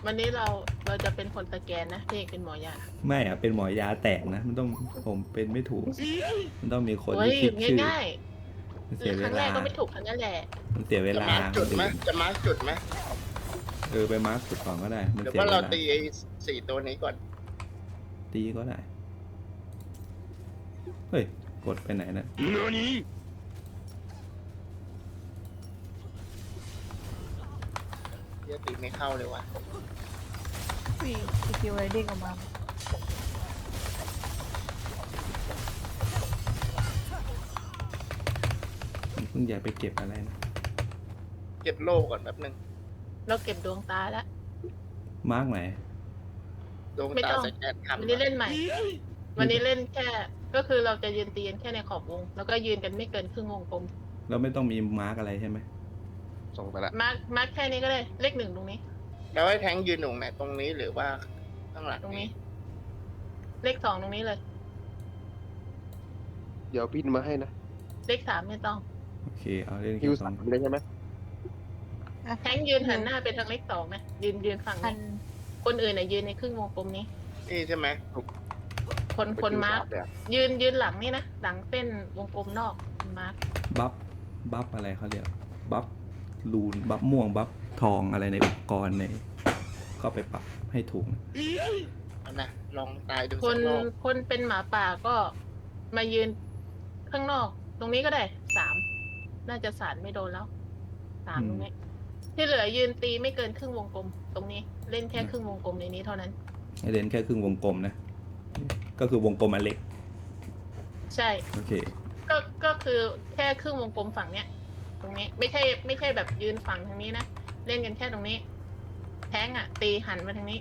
วันนี้เราจะเป็นคนสแกนนะพี่เอกเป็นหมอยาไม่อะเป็นหมอยาแตกนะมันต้องผมเป็นไม่ถูก มันต้องมีคนโอ้ยที่คิดชื่อง่ายมันๆหรืเสีอย คเวรั้งแรลากก็ไม่ถูกทั้งนั้นแหละมันเสียเวจะลามาร์กจุดไหมจะมาร์กจุดไหมไปมาร์คจุดก่อนก็ได้มันหรือเสียว่าเวเราลาตีไอ้สี่ตัวนี้ก่อนตีก็ได้เฮ้ยกดไปไหนนะเดี๋ยวตีไม่เข้าเลยวะมีสกิลไรเด้งออกมาเพิ่งอยากไปเก็บอะไรนะเก็บโลกก่อนแป๊บนึงเราเก็บดวงตาแล้วมาร์กไหนดวงไม่ตาต้องสแกนวันทำนี้เล่นใหม่ วันนี้เล่นแค่ ก็คือเราจะยืนตีกันแค่ในขอบวง แล้วก็ยืนกันไม่เกินครึ่งวงกลมเราไม่ต้องมีมาร์กอะไรใช่ไหมส่งไปละมาร์คแค่นี้ก็ได้เลขหนึ่งตรงนี้แล้วให้แทงยืนตรงไหนตรงนี้หรือว่าข้างหลังตรงนี้ เลขสองตรงนี้เลยเดี๋ยวพินมาให้นะเลขสามไม่ต้องโอเคเอาเล่นฮิแค่วสอสาง มเลยใช่ไหมแทงยืนหันหน้าไปทางเลขสองนะยืนฝั่งพันี้นคนอื่นน่ะยืนในครึ่งวงกลมนี้นี่ใช่ไหมคนมาร์ค ยืนหลังนี่นะหลังเส้นวงกลมนอกมาร์คบัฟอะไรเขาเรียกบัฟลูนบัฟม่วงบัฟทองอะไรในอุปกรณ์ในก็ไปปรับให้ถูกนะเอานะลองตายดูคสันกรอบคนเป็นหมาป่าก็มายืนข้างนอก ตรงนี้ก็ได้สามน่าจะสารไม่โดนแล้วสามตรงนี้ ที่เหลือยืนตีไม่เกินครึ่งวงกลม ตรงนี้เล่นแค่ครึ่งวงกลมในนี้เท่านั้นให้เล่นแค่ครึ่งวงกลมนะ ก็คือวงกลมอันเล็กใช่โอเคก็คือแค่ครึ่งวงกลมฝั่งเนี้ย ตรงนี้ไม่ใช่แบบยืนฝั่งทางนี้นะเล่นกันแค่ตรงนี้ แทงอ่ะ ตีหันมาทางนี้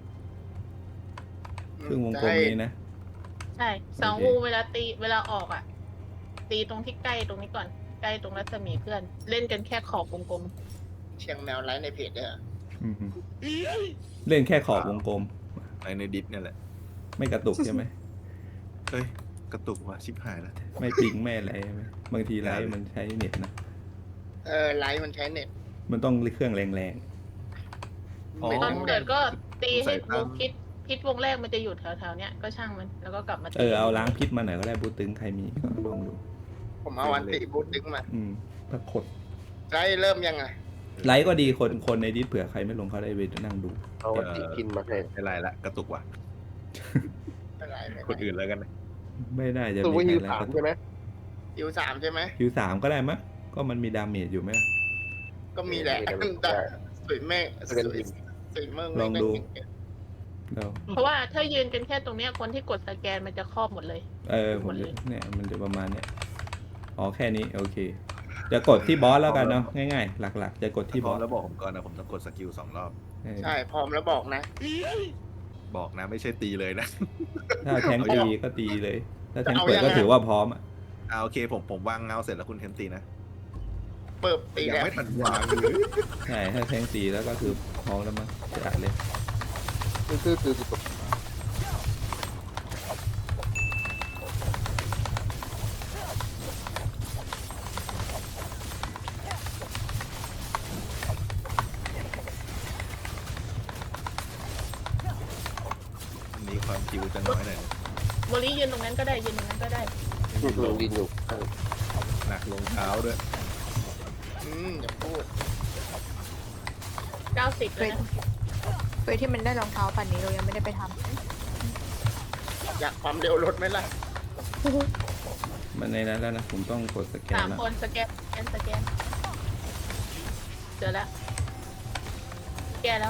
ครึ่งวงกลมนี้นะใช่สองโอเคงูเวลาออกอ่ะ ตีตรงที่ใกล้ตรงนี้ก่อนใกล้ตรงรัศมีเพื่อน เล่นกันแค่ขอบวงกลมเชียงแมวไลฟ์ในเพจเด้ออือฮึเล่นแค่ขอบวงกลมไอในดิสเนี่ยแหละไม่กระตุกใช่ไหมเฮ้ย กระตุกว่ะชิบหายแล้วไม่ปิงไม่อะไรใช่ไหมบางทีไลฟ์มันใช้เน็ตนะไลฟ์มันใช้เน็ตมันต้องเครื่องแรงอ๋อไม่ตอนต้องเกิดก็ตีให้ใส่วตามงพิษวงแรกมันจะอยู่แถวๆเนี้ยก็ช่างมันแล้วก็กลับมาตีๆเอาล้างพิษมาหน่อยก็ได้บูตึงใครมีก็ลองดูผมเอาวันติบูทดึงมาถ้าขดไลฟ์เริ่มยังไงไลฟ์ก็ดีคนในดิสเผื่อใครไม่ลงเขาได้ไปนั่งดูเอาติพินมาให้ไม่ไรละกระตุกว่ะไม่ไลฟ์ไม่คนอื่นแล้วกันนะไม่ได้จะตัวมีฮิวใครสามไลฟ์ใช่ไหมคิวสามใช่ไหมคิวสามก็ได้มั้ยก็มันมีดาเมจอยู่ไหมก็มีแหละแต่สวยแม่สวยสวยเมืองลองดู เราเพราะว่าถ้ายืนกันแค่ตรงเนี้ยคนที่กดสแกนมันจะครอบหมดเลยผมเนี่ยมันจะประมาณเนี้ยอ๋อแค่นี้โอเค จะกดที่บอสแล้วกันเนาะง่ายๆ หลักๆ จะกดที่พบร้ออมสแล้วบอกผมก่อนนะผมต้องกดสกิล2 รอบใช่พร้อมแล้วบอกนะบอกนะไม่ใช่ตีเลยนะถ้าแทงตีก็ตีเลย ถ้าแทงเปิดก็ถือว่าพร้อมอ่ะโอเคผมวางเงาเสร็จแล้วคุณเทนตีนะเปิดตียังแล้วไม่ทันวางเลยใช่ถ้าแทงตีแล้วก็คือพร้อมแล้วมั้งจะอัดเลยคืออันนี้ความคิวจะน้อยหน่อยโมลี่ยืนตรงนั้นก็ได้ยืนตรงนั้นก็ได้ลงดินอยู่หนักลงเท้าด้วยอย่าพูด 90แล้วนะเฟยที่มันได้รองเท้าปันนี้เรายังไม่ได้ไปทอยากความเร็วรถไหมล่ะมันในนั้นแล้วนะผมต้องกดสแกนสามแล้วคนสแกนเจอแล้วแกแล้ว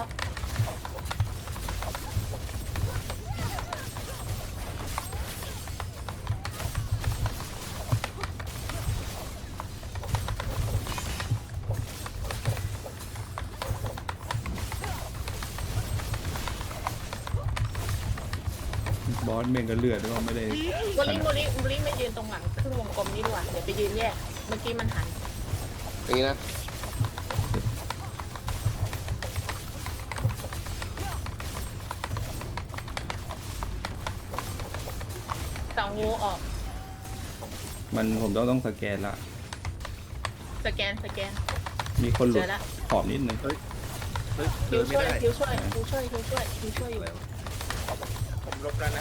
บอสเมงก็เลือดก็ไม่ได้โมลี่ไม่ยืนตรงหลังครึ่งวงกลมนี่ดีกว่าเดี๋ยวไปยืนแยกเมื่อกี้มันหันอย่างนี้นะสองงูออกผมต้องสแกนละสแกนมีคนหลุเจดอแล้วขอบนิดนึงเฮ้ยเดิคิวนไม่ช่วยได้คิวช่วยคิวช่วยคิวช่วยคิวช่วยอยู่ผมลบแล้วนะ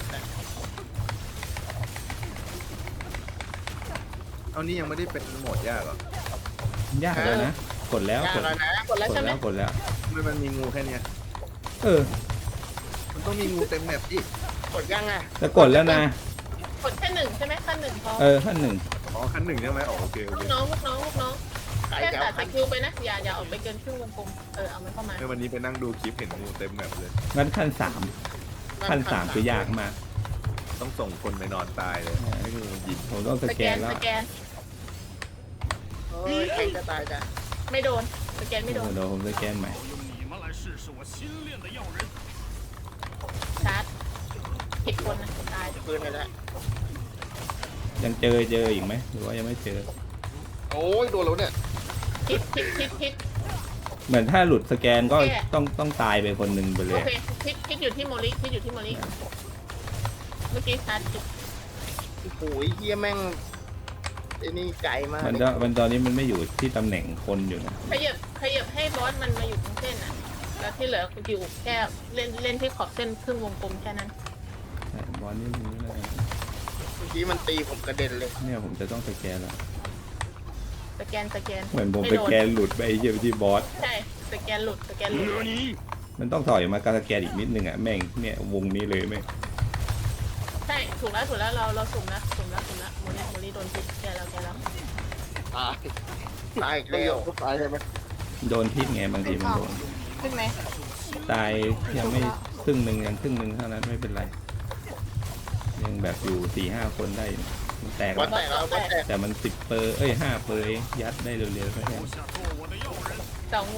เอานี่ยังไม่ได้เป็นโหมดยากเหรอยากแล้วนะ กดแล้วยากกดแล้วนะกดแล้วกใช่ดไหมแล้วกดแล้วทำไมมันมีงูแค่เนี้ยเออมันต้องมีงูเต็มแมปดิกดยังอ่ะแต่กดแล้วนะกดแค่หนึ่งใช่ไหมขั้นหนึ่งพอเออขั้นหนึ่งอ๋อขั้นหนึ่งใช่ไหมอ๋อโอเคโอลูเคกน้องลูกน้องลูกน้องใครแค่จะตัเอาดสกิลไปนะอย่าออกไปเกินครึ่งวงกลมเอามันเข้ามาในวันนี้ไปนั่งดูคลิปเห็นงูเต็มแมปเลยงั้นขั้นสามขั้นสามคือยากมากต้องส่งคนไปนอนตายเลยให้งูมันยิงผมต้องสสแกแกนนแล้วสแกนเฮ้ยใครจะตายจ้ะไม่โดนสแกนไม่โดนเดี๋ยวผมสแกนใหม่用你们来试试我新练的药人。 ชาร์จผิดคนนะตายปืนไปแล้วยังเจออีกไหมหรือว่ายังไม่เจอโอ้ยโดนแล้วเนี่ยพิษเหมือนถ้าหลุดสแกนก็โอเคต้องตายไปคนหนึ่งไปเลโอย เคพิษอยู่ที่โมลิพิษอยู่ที่โมลิเมื่อกี้ชาร์จผิดโอ้โหเฮียแม่งไอ้นี่ไกลมากมันตอนนี้มันไม่อยู่ที่ตำแหน่งคนอยู่นะขยับให้บอสมันมาอยู่ตรงเส้นอ่ะแล้วที่เหลืออยู่แค่เล่นที่ขอบเส้นครึ่งวงกลมแค่นั้นแต่บอลนี่มันไม่ได้เมื่อกี้มันตีผมกระเด็นเลยเนี่ยผมจะต้องสแกนแล้วสแกนเหมือนผมไม่สโดนแกนหลุดไปไอ้เหี้ยที่บอสใช่สแกนหลุดมันต้องถอยมาการสแกนอีกนิดนึงอ่ะแม่งเนี่ยวงนี้เลยแม่งใช่ถูกแล้วเราสุ่มแล้วโมลิโดนพิษแกแล้วตายตายอีกไม่แล้ยว อมก็ตายใช่ไหมโดนพิษไงบางทีมันโดนขึ้นไหมตายยังไม่ครึ่งหนึ่งยังครึ่งหนึ่งเท่านั้นไม่เป็นไร ยังแบบอยู่4-5 คนได้อยู่มันแตกบอแล้สวแตกแล้วบอสแตกแต่มัน10 เปอร์5 เปอร์เองยัดได้เร็วๆแค่นั้น下做我的药人。 เต่างู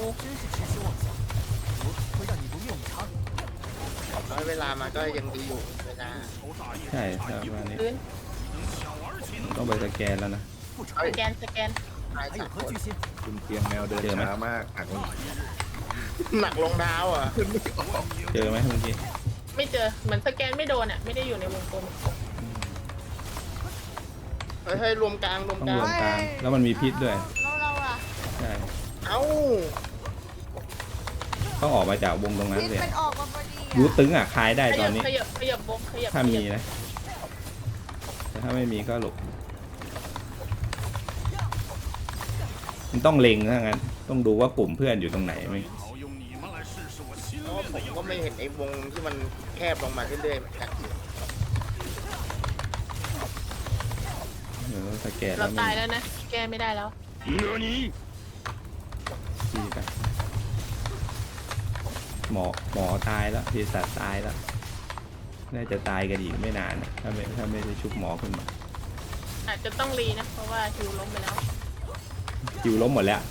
น้อยเวลามาก็ยังดีอยู่เวลา头大业ใช่ครับวันนี้พื้น能小儿且ต้องไปสแกนแล้วนะสแกนตายจากคนคุณเตียงแมวเดินเจอไหมช้ามากหักมันหนักรองเท้าอ่ะเจอไหมเมื่อกี้ไม่เจอเหมือนสแกนไม่โดนอ่ะไม่ได้อยู่ในวงกลมเฮ้ยรวมกลางรวมต้องกลาร งวมกลางแล้วมันมีพิษด้วยแล้วเราอะใช่เอ้าต้องออกมาจากวงตรงนั้นพิษเลยมันออกมาพอดียูอะตึงอ่ะคลายได้ตอนนี้ขยับวงขยับถ้ามีนะแต่ถ้าไม่มีก็หลบมันต้องเล็งถ้างั้นต้องดูว่ากลุ่มเพื่อนอยู่ตรงไหนไหม好用你们来试试我新เพราะว่า练ผ的ม药ก็ไม่人。 เห็นไอ้วงที่มันแคบลงมาเรื่อยๆเหมือนกันเดี๋ยวสแกนเราแล้วตายไม่แล้วนะแก้ไม่ได้แล้วดีไปหมอตายแล้วเภสัชตายแล้วน่าจะตายกันอีกไม่นานนะถ้าไม่ได้ชุบหมอขึ้นมาอาจจะต้องรีนะเพราะว่าคิวล้มไปแล้วคิวล้มหมดแล้ว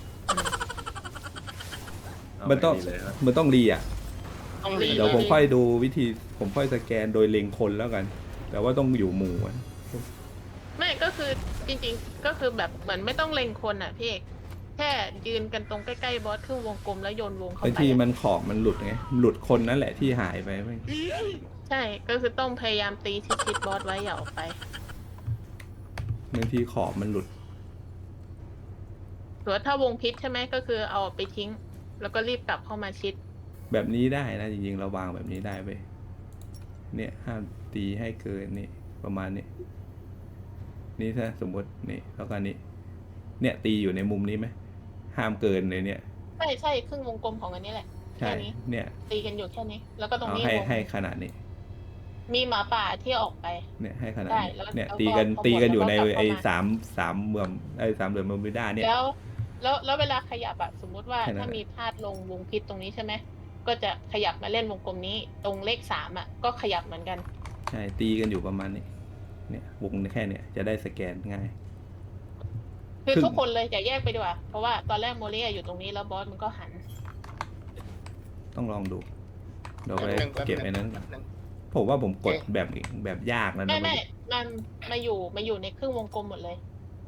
เอามันต้องไปดีเลยนะมันต้องรีอ่ะต้องรีเดี๋ยวผมค่อยดูวิธีผมค่อยสแกนโดยเล็งคนแล้วกัน แต่ว่าต้องอยู่หมู่อะไม่ก็คือจริงๆก็คือแบบเหมือนไม่ต้องเล็งคนอ่ะพี่เอกแค่ยืนกันตรงใกล้ๆบอสครึ่งวงกลมแล้วโยนวงเข้าบางไปทีมันขอบมันหลุดไงหลุดคนนั่นแหละที่หายไปไม่ใช่ก็คือต้องพยายามตีชิดๆบอสไว้อย่าออกไปบางทีขอบมันหลุดหรือว่าถ้าวงพิษใช่ไหมก็คือเอาออกไปทิ้ง แล้วก็รีบกลับเข้ามาชิดแบบนี้ได้นะจริงๆเราวางแบบนี้ได้ไปเนี่ยห้ามตีให้เกินนี่ประมาณนี้นี่ถ้าสมมตินี่แล้วก็นี่เนี่ยตีอยู่ในมุมนี้ไหมห้ามเกินเลยเนี่ยใช่ครึ่งวงกลมของอันนี้แหละใช่แค่นี้เนี่ยตีกันอยู่แค่นี้ แล้วก็ตรงเอานี้ให้วงให้ขนาดนี้มีหมาป่าที่ออกไปเนี่ยให้ขนาดได้นี้แล้วเนี่ยแล้วตีกันพอตีกันอยู่ในแล้วก็กลับเข้ามาไอ้สามเหลี่ยมไอ้สามเหลี่ยมเบอร์มิวด้าเนี่ยแล้วเวลาขยับอะสมมุติว่าแค่นั้นถ้ามีพลาดลงวงพิษตรงนี้ใช่ไหมก็จะขยับมาเล่นวงกลมนี้ ตรงเลข3อะก็ขยับเหมือนกันใช่ตีกันอยู่ประมาณนี้เนี่ยวงแค่เนี่ยจะได้สแกนง่ายคือครึ่งทุกคนเลยอย่าแยกไปดีกว่าเพราะว่าตอนแรกโมเลียอยู่ตรงนี้แล้วบอสมันก็หันต้องลองดูเดี๋ยวไปแป๊บนึงเก็บไอ้นั้นแป๊บนึงผมว่าผมกดแบบยากแล้วนะไม่มันมาอยู่ในครึ่งวงกลมหมดเลย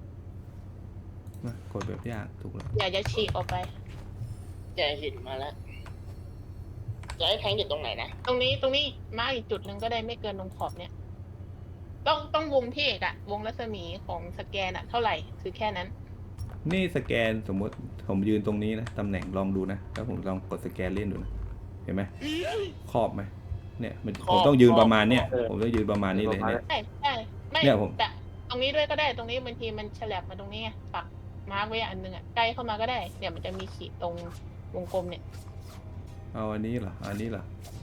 กดแบบยากถูกแล้วอย่าฉีกออกไปแกเห็นมาแล้วจะให้แทงอยู่ตรงไหนนะตรงนี้มาอีกจุดหนึ่งก็ได้ไม่เกินตรงขอบเนี่ย ต้องวงที่เอกอะวงรัศมีของสแกนอะเท่าไหร่คือแค่นั้นนี่สแกนสมมติผมยืนตรงนี้นะตำแหน่งลองดูนะแล้วผมลองกดสแกนเล่นดูนะเห็นไหมครอบไหมเนี่ยมันผมต้องยืนประมาณเนี้ยผมต้องยืนประมาณนี้เลยเนี่ยใช่ใช่ไม่เนี่ยผมแต่ตรงนี้ด้วยก็ได้ตรงนี้บางทีมันฉลับมาตรงนี้ไงปักมาร์กไว้อันนึงอ่ะใกล้เข้ามาก็ได้เดี๋ยวมันจะมีขีดตรงวงกลมเนี่ยเอาอันนี้เหรออันนี้เหรอ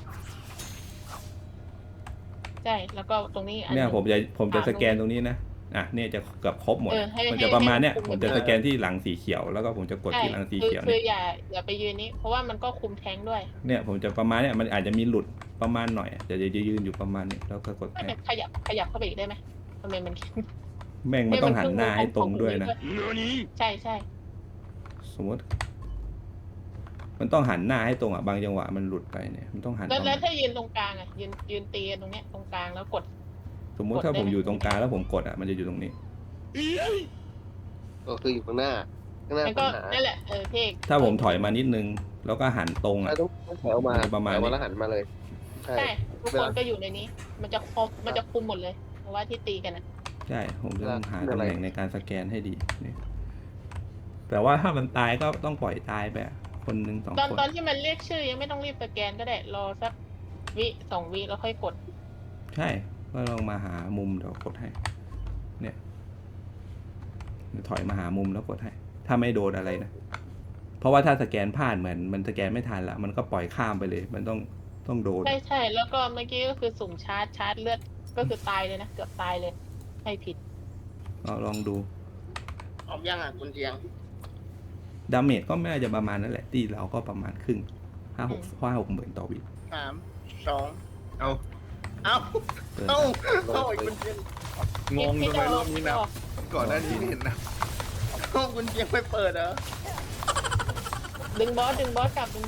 ใช่แล้วก็ตรงนี้อันเนี่ยนึงผมจะสแกนตรงนี้นะอ่ะเนี่ยจะเกือบครบหมดให้มันจะประมาณเนี้ยให้ผมจะสแกนที่หลังสีเขียวแล้วก็ผมจะกดใช่ที่หลังสีคือเขียวคือเนี่ยอย่าไปยืนนี้ เพราะว่ามันก็คุมแทงด้วยเนี่ยผมจะประมาณเนี่ยมันอาจจะมีหลุดประมาณหน่อยเดี๋ยวจะยืนอยู่ประมาณนี้แล้วก็กดไม่แทแต่นขยับเข้าไปอีกได้ไหมทำไมมันแม่งมันต้องหันหน้าให้ตรงด้วยนะใช่ใช่สมมติ มันต้องหันหน้าให้ตรงอ่ะบางจังหวะมันหลุดไปเนี่ยมันต้องหันแล้วประแล้มาว ณถ้ายืนตรงกลางอ่ะยืนตีกันตรงเนี้ยตรงกลางแล้วกดสมมติถ้าผมอยู่ตรงกลางแล้วผมกดอ่ะมันจะอยู่ตรงนี้ก็คืออยู่ข้างหน้ามันปัก็ญหานั่นแหละเทคถ้าผมถอยมานิดนึง แล้วก็หันตรงไม่อ่ะต้องถอยออกมาประมาณนี้ถอยแล้วหันมาเลยใช่ใช่ทุกคนก็อยู่ในนี้ มันจะคุมหมดเลยเพราะว่าที่ตีกันอ่ะใช่ผมจะต้องหาตำแหน่งในการสแกนให้ดีเนี่ยแต่ว่าถ้ามันตายก็ต้องปล่อยตายไปอะคนหนึ่งสองตอนคนตอนที่มันเรียกชื่อยังไม่ต้องรีบสแกนก็ได้รอสัก2 วิแล้วค่อยกดใช่ ก็ลองมาหามุมเดี๋ยวกดให้ เนี่ยถอยมาหามุมแล้วกดให้ ถ้าไม่โดนอะไรนะ เพราะว่าถ้าสแกนพลาดเหมือนมันสแกนไม่ทันละมันก็ปล่อยข้ามไปเลย มันต้องโดนใช่แล้วก็เมื่อกี้ก็คือสุ่มชาร์จเลือดก็คือตายเลยนะเกือบตายเลยให้ผิดลองดูออกยังอ่ะคุณเทียงดาเมจก็ไม่น่าจะประมาณนั้นแหละตีเราก็ประมาณครึ่ง5-6หมื่นต่อวิ 3 2 เอาเอ้าเกินเอ้าไปเอ้าคุณเทียงงงทำไมรอบนี้นะก่อนหน้านี้ไม่เห็นนะเอ้าคุณเทียงไม่เปิดเหรอดึงบอสกลับ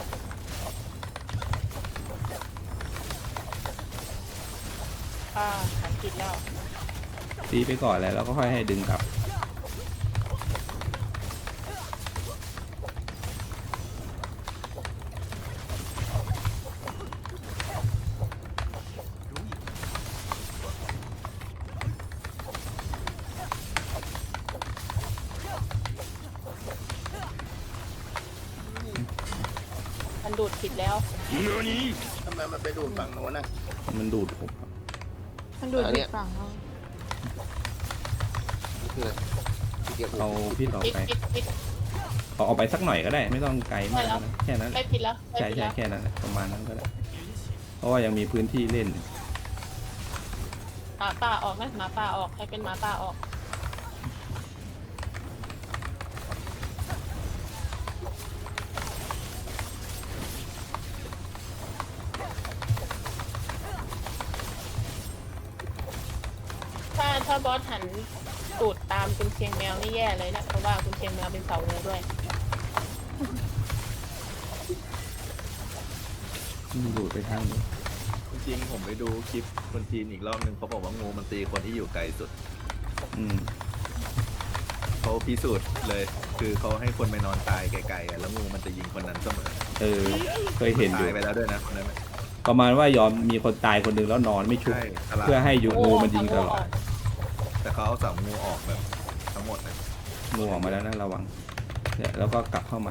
หันผิดแล้วตีไปก่อนแล้วก็ค่อยให้ดึงกลับมันดูดผิดแล้วทำไมมันไปดูดฝั่งโน้นน่ะมันดูดผมครับมันดูดผิดฝั่งเรานี่คืออะไรที่เก็บเอาพี่ต่อผิดไปผิดเอาไปสักหน่อยก็ได้ ไม่ต้องไกลมากนะแค่นั้นแหไม่ละผิดแล้วใช่แค่นั้นแหละประมาณนั้นก็ได้ เพราะว่ายังมีพื้นที่เล่นหมาป่าออกไหมหมาป่าออกให้เป็นหมาป่าออกถ้าบอสหันตูดตามคุณเชียงแมวนี่แย่เลยนะเพราะว่าคุณเชียงแมวเป็นเสาเนื้อด้วยดูดไปทางนี้จริงๆผมไปดูคลิปคนจีนอีกรอบนึงเขาบอกว่างูมันตีคนที่อยู่ไกลสุดอืมเขาพิสูจน์เลย คือเขาให้คนไปนอนตายไกลๆอะแล้วงูมันจะยิงคนนั้นเสมอเคยเห็นอยู่ตายไปแล้วด้วยนะคนนั้นน่ะประมาณว่ายอมมีคนตายคนหนึ่งแล้วนอนไม่ชุบใช่ฉลาดเพื่อให้ยูงูมันยิงตลอดแต่เขาเอาเสางูออกแบบทั้งหมดนะงูออกมาแล้วนะระวังเนี่ยแล้วก็กลับเข้ามา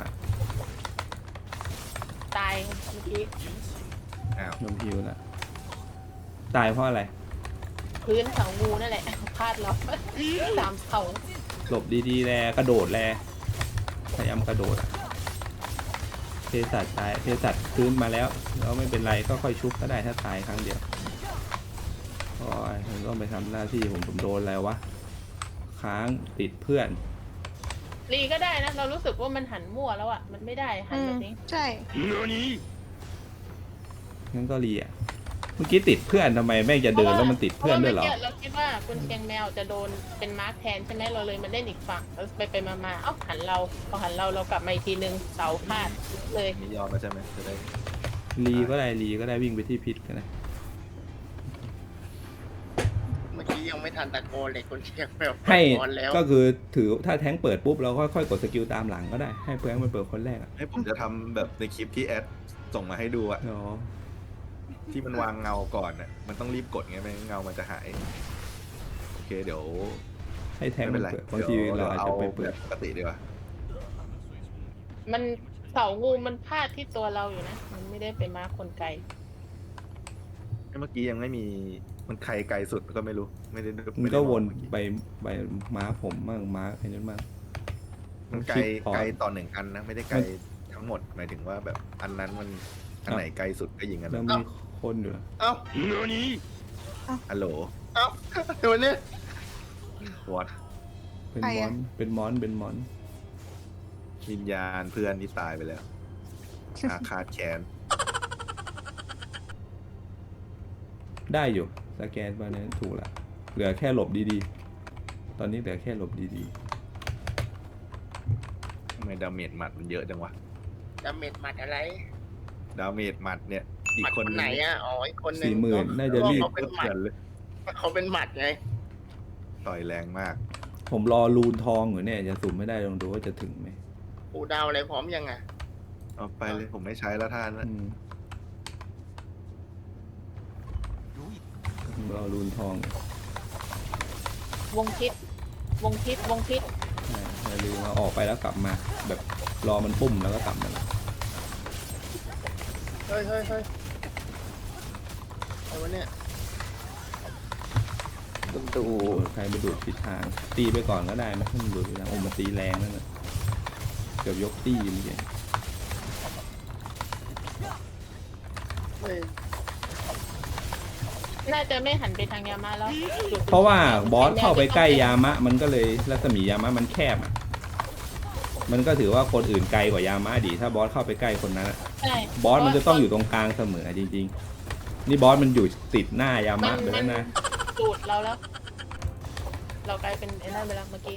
ตายเมื่อกี้อ้าวโดนพิวนะตายเพราะอะไรพื้นเสางูนั่นแหละพลาดเราตามเสาหลบดีๆแลกระโดดแลพยายามกระโดดอะเภสัชตายเภสัชพื้นมาแล้วไม่เป็นไรก็ค่อยชุบก็ได้ถ้าตายครั้งเดียวโอ้ยผมต้องไปทำหน้าที่ผมโดนแล้ววะค้างติดเพื่อนรีก็ได้นะ เรารู้สึกว่ามันหันมั่วแล้วอ่ะมันไม่ได้หันแบบนี้ใช่งั้นก็รีอ่ะเมื่อกี้ติดเพื่อนทำไมแม่งจะเดินแล้วมันติดเพื่อนด้วยเหรอพาะว่ามื่กี้เราคิดว่าคุณเชียงแมวจะโดนเป็นมาร์คแทนใช่ไหมเราเลยมาเล่นอีกฝั่งแล้วไปมาเอ้าหันเราพอหันเรากลับมาอีกทีนึงเสาพลาดเลยนี่ยอมแล้วใช่ไหมจะได้รีก็ได้วิ่งไปที่พิษกันนะเมื่อกี้ยังไม่ทันตะโกนเลยคุณเทียงแบบให้นอนแล้วก็คือถือถ้าแท้งเปิดปุ๊บเราค่อยๆกดสกิลตามหลังก็ได้ให้เพื่อนมันเปิดคนแรกอ่ะให้ผมจะทำแบบในคลิปที่แอดส่งมาให้ดูอะอ๋อที่มันวางเงาก่อนอะมันต้องรีบกดไงไม่งั้นเงามันจะหาย โอเคเดี๋ยวให้ให้แทงไม่มัเป็น นไรเปิดบางทีดี๋ยวเราอาจจะไปเปิแบดบปกติดีกว่ามันเสางูมันพาดที่ตัวเราอยู่นะ มันไม่ได้ไปมาร์คคนไกลเมื่อกี้ยังไม่มีมันใครไกลสุดก็ไม่รู้ไม่ได้มันก็ไได้มองวนเมื่อกี้ไปม้าผมมั่งม้าไอ้นั้นมั่งมันไกลคลิปพอไกลต่อหนึ่งอันนะไม่ได้ไกลทั้งหมดหมายถึงว่าแบบอันนั้นมันอันไหนไกลสุดก็ยิงอันแล้นั้วน มีคนอยู่นะเอ้าฮัลโหลเอ้าตัวเนี้ยวอตเป็นใครมออะนเป็นมอนเป็นมอนวิญญาณเพื่อนที่ตายไปแล้วอาฆาตแค้นได้อยู่สแกนไปนั้นถูกละเหลือแค่หลบดีๆ ตอนนี้เหลือแค่หลบดีทำไมดาเมจหมัดมันเยอะจังวะดาเมจหมัดอะไรดาเมจหมัดเนี่ยอีหกมัดคคน นนึงไหนอ่ะอ๋ออีกคนๆหนึ่ง 40,000น่าจะรีบเขาเป็นหมัดเลยเขาเป็นหมัดไงต่อยแรงมากผมรอรูนทองอยู่เนี่ยจะสุ่มไม่ได้ลองดูว่าจะถึงไหมปูดาวอะไรพร้อมยังอ่ะเอาไปเลยผมไม่ใช้แล้วท่านนะอืมรอรูนทองวงทิศวงทิศวงทิศอย่าลืมมาออกไปแล้วกลับมา แบบรอมันปุ้มแล้วก็กลับมาเฮ้ยอะไรวะเนี่ยต้องดูใครไปดูดทิศทาง ตีไปก่อนก็ได้ไม่ต้องดูดทิศทางโอ้มันตีแรงนั่นแหละเกือบยกตีเมื่อกี้เฮ้ยน่าจะไม่หันไปทางยามาแล้วจุดเพราะว่าบอสเข้าไปใกล้ยามะ มันก็เลยรัศมียามะมันแคบอ่ะ มันก็ถือว่าคนอื่นไกลกว่ายามะดี ถ้าบอสเข้าไปใกล้คนนั้นอะใช่บอสมันจะต้องอยู่ตรงกลางเสมอจริงๆ นี่บอสมันอยู่ติดหน้ายามะไปแล้วนะจูดเราแล้ว เรากลายเป็นไอ้นั่นไปแล้วเมื่อกี้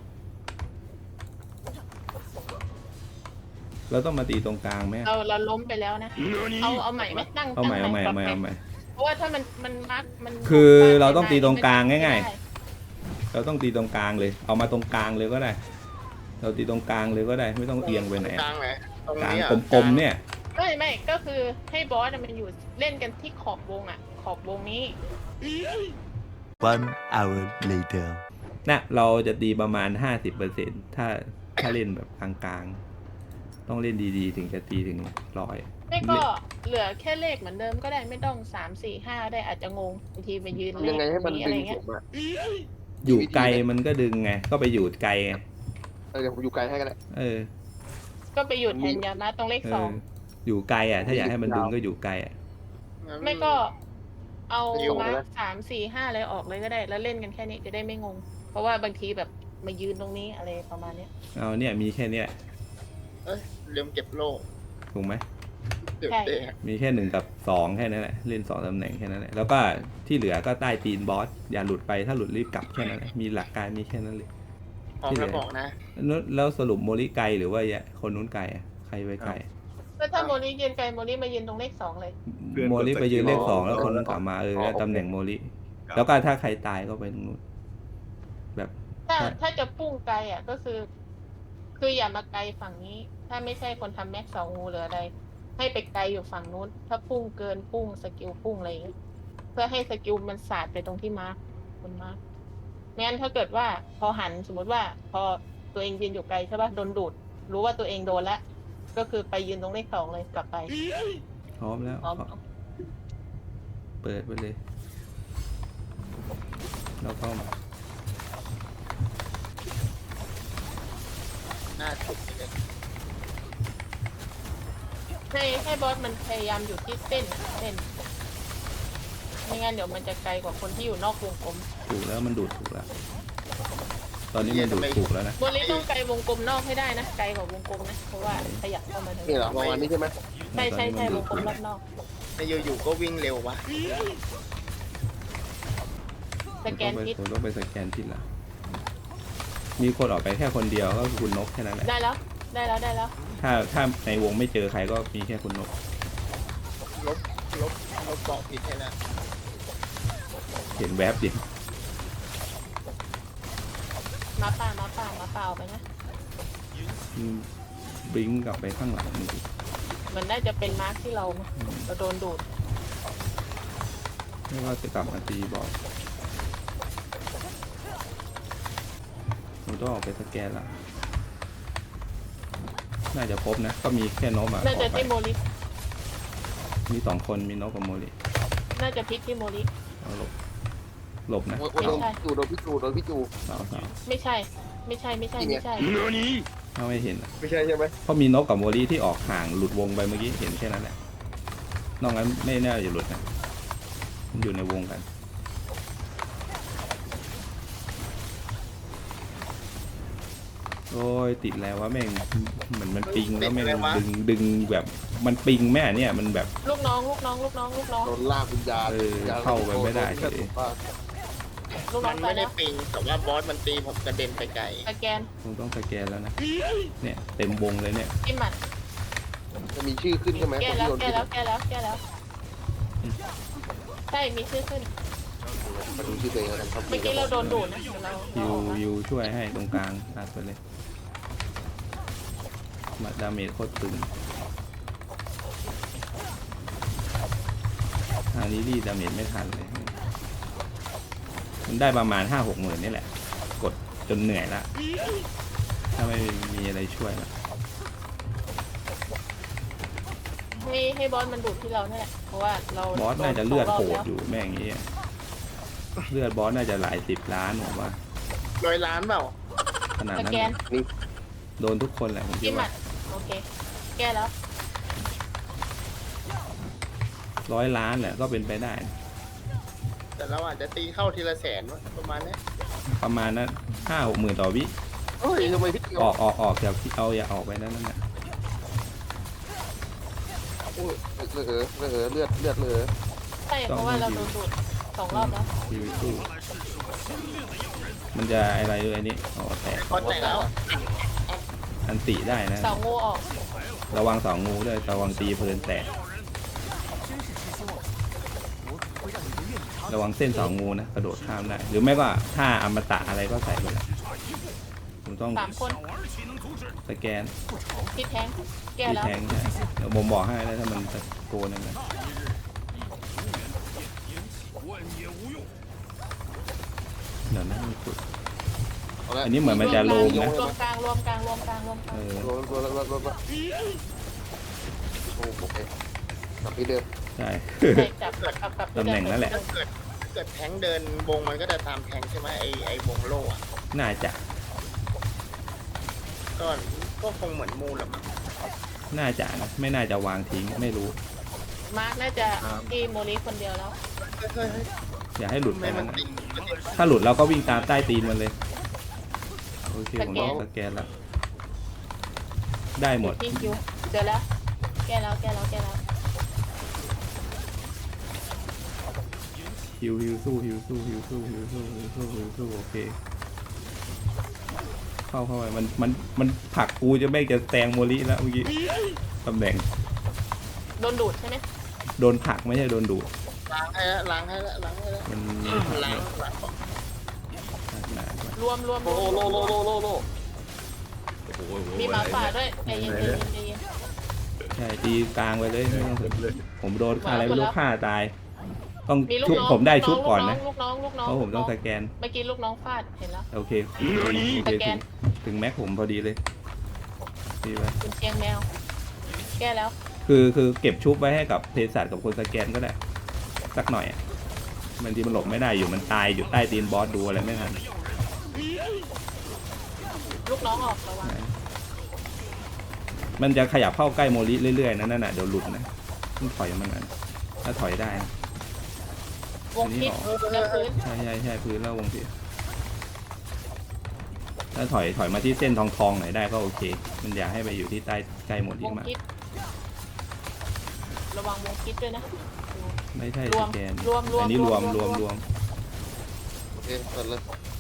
เราต้องมาตีตรงกลางไหมอะเราล้มไปแล้วนะ เอาใหม่ไหมนั่งเอาใหม่ตั้งเอาใหม่ปรับเอาใหม่เอาใหม่เพราะว่าถ้ามันมักมันคือเราต้องตีตรงกลางง่ายๆไม่ได้เราต้องตีตรงกลางเลย เอามาตรงกลางเลยก็ได้ เราตีตรงกลางเลยก็ได้ ไม่ต้องเอียงไปไหนกลางไหนตรงกลางนี้อ่ะกลมๆเนี่ยไม่ก็คือให้บอสมันอยู่เล่นกันที่ขอบวงอ่ะ ขอบวงนี้ One hour later. นะเราจะตีประมาณ 50%ถ้าเล่นแบบกลางๆ ต้องเล่นดีๆ ถึงจะตีถึง100 ไม่ก็เหลือแค่เลขเหมือนเดิมก็ได้ไม่ต้อง3 4 5ได้อาจจะงงบางทีไปยืนเลยังไงให้ขมันนี้ดึอะไรงเงี้ผยมอ่ะอยู่ไกลมันก็ดึงไง ก็ไปอยู่ไกลไงเดี๋ยวผมอยู่ไกลให้กันแหละเออก็ไปหยุดแทนยามาตรงเลขเอสออง อยู่ไกลอ่ะ ถ้าอยากให้มันดึงก็อยู่ไกลอ่ะไม่ก็เอามา3 4 5อะไรออกเลยก็ได้ แล้วเล่นกันแค่นี้จะได้ไม่งง เพราะว่าบางทีแบบมายืนตรงนี้อะไรประมาณเนี้ยเอาเนี่ยมีแค่เนี้ยเอ้ยลืมเก็บโล่ถูกไหมเดี๋ยวเตะมีแค่1 กับ 2แค่นั้นแหละ เล่น2ตำแหน่งแค่นั้นแหละ แล้วก็ที่เหลือก็ใต้ตีนบอส อย่าหลุดไป ถ้าหลุดรีบกลับแค่นั้นแหละ มีหลักการมีแค่นั้นเลยพร้อมแล้วบอกนะแล้วสรุปโมลิไกลหรือว่าคนนู้นไกลอะใครไปไกลแล้วถ้าโมลิยืนไกลโมลิมายืนตรงเลข 2เลยโมลิไปยืนเลข 2 แล้วคนนู้นกลับมาแล้วตำแหน่งโมลิ แล้วก็ถ้าใครตายก็ไปตรงนู้น แบบถ้าจะพุ่งไกลอ่ะก็คืออย่ามาไกลฝั่งนี้ ถ้าไม่ใช่คนทำแม็ก2งูหรืออะไร ให้ไปไกลอยู่ฝั่งนู้น ถ้าพุ่งเกินพุ่งสกิลพุ่งอะไรอย่างเงี้ยเพื่อให้สกิลมันสาดไปตรงที่มาร์คคนมาร์คไม่งั้นถ้าเกิดว่าพอหันสมมติว่าพอตัวเองยืนอยู่ไกลใช่ป่ะโดนดูด รู้ว่าตัวเองโดนแล้วก็คือไปยืนตรงเลข 2เลยกลับไปพร้อมแล้วพร้อมเปิดไปเลย แล้วก็หน้าสุดเลยให้บอสมันพยายามอยู่ที่เส้นไม่งั้นเดี๋ยวมันจะไกลกว่าคนที่อยู่นอกวงกลมถูกแล้วมันดูดถูกแล้ว ตอนนี้มันดูดถูกแล้วนะโมลิต้องไกลวงกลมนอกให้ได้นะไกลกว่าวงกลมนะเพราะว่าขยับเข้ามาทางนี่เหรอประมาณนี้ใช่ไหมใช่วงกลมรอบนอกไม่อยู่ๆก็วิ่งเร็ววะสแกนพิษผมต้องไปสแกนทิศละมีคนออกไปแค่คนเดียวก็คือคุณนกแค่นั้นแหละได้แล้วถ้าในวงไม่เจอใครก็มีแค่คุณนกลบบอกผิดให้นะเห็นแวบเดียวมาป่าเอาไปนะบลิงก์กลับไปข้างหลังนี่มันน่าจะเป็นมาร์คที่เราโดนดูดไม่ว่าจะกลับมาตีบอสผมต้องออกไปสแกนละน่าจะพบนะ ก็มีแค่นกอ่ะน่าอจะอกไปที่โมลิมี2 คนมีนกกับโมริน่าจะพลิกที่โมลิเอาหลบนะโอ้ยโดนพี่จูโดนพี่จูโดนพี่จูสาวไม่ใช่ ไม่ใช่ไม่ใช่ไม่ใช่ถ้าไม่เห็นอะไม่ใช่ใช่ไหมเพราะมีนกกับโมริที่ออกห่างหลุดวงไปเมื่อกี้เห็นแค่นั้นแหละนอกนั้นไม่น่าจะหลุดนะมันอยู่ในวงกัน โอ้ยติดแล้วว่าแม่งเหมือนมันปิงแล้วแม่งดึงแบบมันปิงแม่เนี่ยมันแบบลูกน้องลูกน้องลูกน้องลูกน้องโดนลากวิญญาณเข้าไปไม่ได้เฉยลูกน้มัองนตาไม่ยได้แล้วปิงแต่ว่าบอสมันตีผมกระเด็นไปไกลสแกนคงต้องสแกนแล้วนะเนี่ยเต็มวงเลยเนี่ยจิ้มหมัดจะมีชื่อขึ้นใช่ไหมแก้คนแล้วที่โดนแก้แล้วแก้แล้วแก้แล้วใช่มีชื่อขึ้นมาดูชื่อตัวเองแล้วกันครับเมื่อกี้เราโดนดูดนะเดี๋ยวเรายูช่วยให้ตรงกลางตัดไปเลยมาดาเมจโคตรตึงทางนี้ดีดาเมจไม่ทันเลย มันได้ประมาณ 5-6 หมื่นนี่แหละ กดจนเหนื่อยละถ้าไม่มีอะไรช่วยละให้บอสมันดูดที่เราเนี่ยแหละเพราะว่าเราบอสน่าจะเลือดโหด 2 อยู่แม่งอย่างงี้อะเลือดบอสน่าจะหลาย10 ล้านผมว่า 100 ล้านเปล่าขนาดสนั้นแกนโดนทุกคนแหละผมคิจิ้ดมหมัว่าดโอเค แก้แล้ว 100 ล้านแหละก็เป็นไปได้แต่เราอาจจะตีเข้าทีละแสนวะประมาณเนี้ยประมาณนั้น5-6 หมื่นต่อวิเฮ้ยทำไมพี่จูออกจากเอาอย่าออกไปนั่นน่ะโอ้ยเลือดเลยใช่เพราะว่าเราโดนดูด2 รอบแล้วชีวิตสู้มันจะอะไรด้วยนี่อ๋อแตกพอแตกแล้วอันติได้นะเสางูออกระวัง2 งูด้วยระวังตีเพลินแตกระวังเส้น2 งูนะกระโดดข้ามได้หรือไม่ก็ถ้าอมตะอะไรก็ใส่ไปเลยผมต้อง 3 คนสแกนที่แทงแก้ที่แล้วแทงใช่เดี๋ยวผมบอกให้แล้วถ้ามันตะโกนนั่นนะเดี๋ยวนะมีจุด อันนี้เหมือนมันจะโลมนะรวมกลางรวมกลางรวมกลางรวมกลางเออโดนโอ้โอเคกลับที่เดิมใช่ใช่จับกับตำแหน่งนั่นแหละถ้าเกิดแทงเดินวงมันก็จะตามแทงใช่ไหมไอ้วงโล่อะน่าจะก็คงเหมือนมูลแหละมั้งน่าจะนะไม่น่าจะวางทิ้งไม่รู้มาร์กน่าจะที่โมลิคนเดียวแล้วเฮ้ยอย่าให้หลุดไปไม่มันะนติงถ้าหลุดเราก็วิ่งตามใต้ตีนมันเลยโอเคผมต้องสแกนแล้วได้หมดที่คิวเจอแล้ว แก้แล้วแก้แล้วแก้แล้วฮิวสู้โอเคเข้าไปมันผลักกูจะไม่จะแซงโมลิแล้วเมื่อกี้ตำแหน่งโดนดูดใช่ไหมโดนผลักไม่ใช่โดนดูดล้างให้แล้วมันมีล้างหนารวมโลโอ้โหมีหมาป่าด้วยใจเย็นใจเย็นใจเย็นใช่ตีกลางไปเลยไม่ต้องสนเลยผมโดนอะไรไม่รู้ฆ่าตาย ต้องมีลูกชุบน้องผมได้ชุบก่อนนะลูกน้องเพราะผมต้องสแกนเมื่อกี้ลูกน้องฟาดเห็นแล้วโอเคสแกนถึงแม็กผมพอดีเลยดีไปคุณเชียงแมว แก้แล้วคือเก็บชุบไว้ให้กับเภสัชกับคนสแกนก็ได้สักหน่อยอะบางทีมันหลบไม่ได้อยู่มันตายอยู่ใต้ตีนบอสดูอะไรไม่ทันลูกน้องออกระวังมันจะขยับเข้าใกล้โมลิเรื่อยๆนั่นน่ะเดี๋ยวหลุดนะต้องถอยมันนั้นถ้าถอยได้นะวงพิษแล้วพื้นใช่พื้นแล้ววงพิษถ้าถอยมาที่เส้นทองหน่อยได้ก็โอเค มันอยากให้ไปอยู่ที่ใต้ใกล้โมลิวงมากพิษระวังวงพิษด้วยนะไม่ใช่รสวมแกนรวมอันนี้รวมโอเคเปิดเลย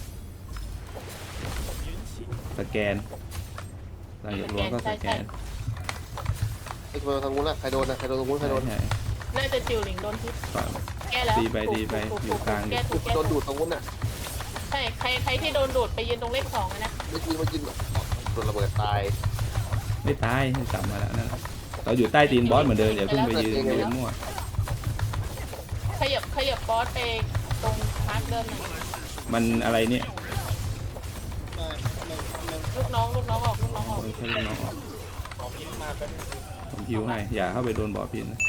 สแกนหลังจากรวมก็สแกนไอ้คนทางนู้นละใครโดนนะใครโดนตรงนู้นใครโดนใช่น่าจะจิวหลิงโดนพิษฝั่งแก้แล้วดีไปอยู่กลางแก้ถูกแก้โดนถูดูกดตรงนู้นน่ะใช่ใครที่โดนดูดไปยืนตรงเลข2นะไม่กินโดนระเบิดตายไม่ตายกลับมาแล้วนั่นแหละเราอยู่ใต้ตีนบอสเหมือนเดิมอย่าเพิ่งไปยืนมั่วขยับบอสไปตรงมาร์กเดิมหน่อยมันอะไรเนี่ยมันลูกน้องออกลูกน้องออกคนแค่ลูกน้องออกขอพิมพ์มาแป๊บนึงผมฮิวให้อย่าเข้าไปโดนบ่อพินนะ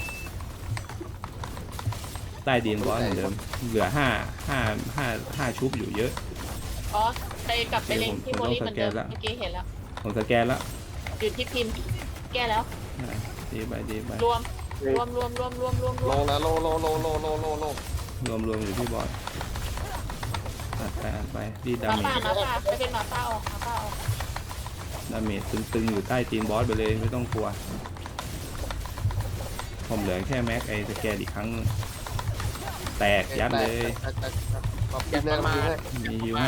ใต้ดินบอสเหมือนเดิมเหลือห้าชุบอยู่เยอะอ๋อไปกลับไปเล็งที่โมลี่เหมือนเดิมเมื่อกี้เห็นแล้วผมสแกนแล้วอยู่ที่พิมพ์แก้แล้วดีไปรวมลงนะโลรวมอยู่ที่บอสอัดไปดีดาหมาเมป่าจไปเป็นหมาป่าออกดาเมจตึงๆอยู่ใต้ตีนบอสไปเลยไม่ต้องกลัวผมเหลือแค่แม็กไอสแกนอีกครั้ง แตกยัดเลยขอบคุณนะมามีฮิวให้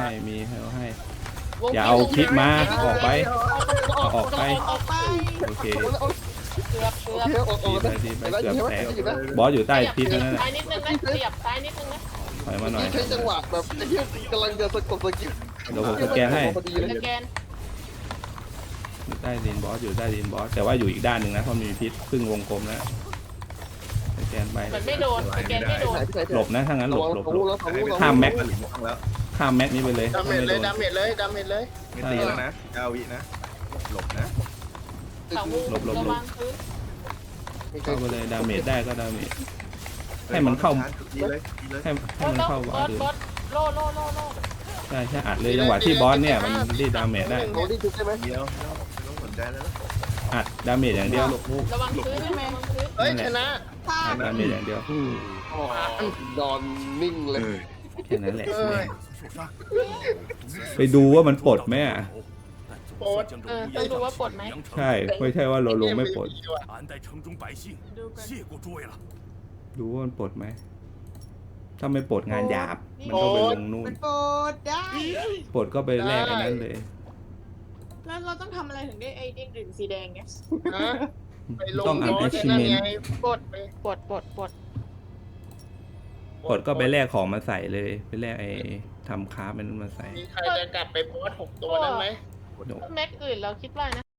อย่าเอาคลิปมาออกไปออกไปโอเคเกือบดีไปเกือบแตกบอสอยู่ใต้พิษนั่นแหละซ้ายนิดนึงนะเสียบซ้ายนิดนึงนะถอยมาหน่อยใช้จังหวะแบบไอ้เหี้ยกำลังจะสะกดสกิลเดี๋ยวผมสแกนให้พอดีเลยสแกนอยู่ใต้ดินบอสอยู่ใต้ดินบอสแต่ว่าอยู่อีกด้านหนึ่งนะเพราะมีพิษครึ่งวงกลมแล้วสแกนไปเหมือนไม่โดนสแกนไม่โดนหลบนะถ้างั้นหลบแล้วข้ามแม็กหลิงต้องแล้วข้ามแม็กนี้ไปเลยดาเมจเลยดาเมจเลยไม่ตีแล้วนะ9 วินะหลบนะเสางูระวังพื้นเข้าไปเลยดาเมจได้ก็ดาเมจให้มันเข้าดีเลยให้มันเข้าบอสบอสโล่ใช่อัดเลยจังหวะที่บอสเนี่ยมันรีดดาเมจได้โรดี้จุดใช่ไหมเดียวไม่ต้องสนใจแล้วอัดดาเมจอย่างเดียวระวังพื้นใช่ไหมเฮ้ยชนะอัดดาเมจอย่างเดียวนอนนิ่งเลยแค่นั้นแหละเอ้ยไปดูว่ามันปลดไหมอ่ะโอ๊ตต้องดูว่าปลดไหมใช่ไม่ใช่ว่าเราลงไม่ปลด俺待城中百姓谢过诸位了。 ดูว่ามันปลดไหมถ้าไม่ปลดงานหยาบมันก็ไปลงนู่นมันโปรดได้ปลดก็ไปแลกไอ้นั้นเลยแล้วเราต้องทำอะไรถึงได้ไอ้เด้งดึงสีแดงเนี่ยฮะไปลงต้องบอส achievement นั่นไงปลดปลดปลดก็ไปแลกของมาใส่เลยไปแลกไอ้ทำคราฟมันมาใส่มีใครจะกลับไปโพสต์6 ตัวนั้นไหมเดี๋ยวแม็กอื่นเราคิดว่านะ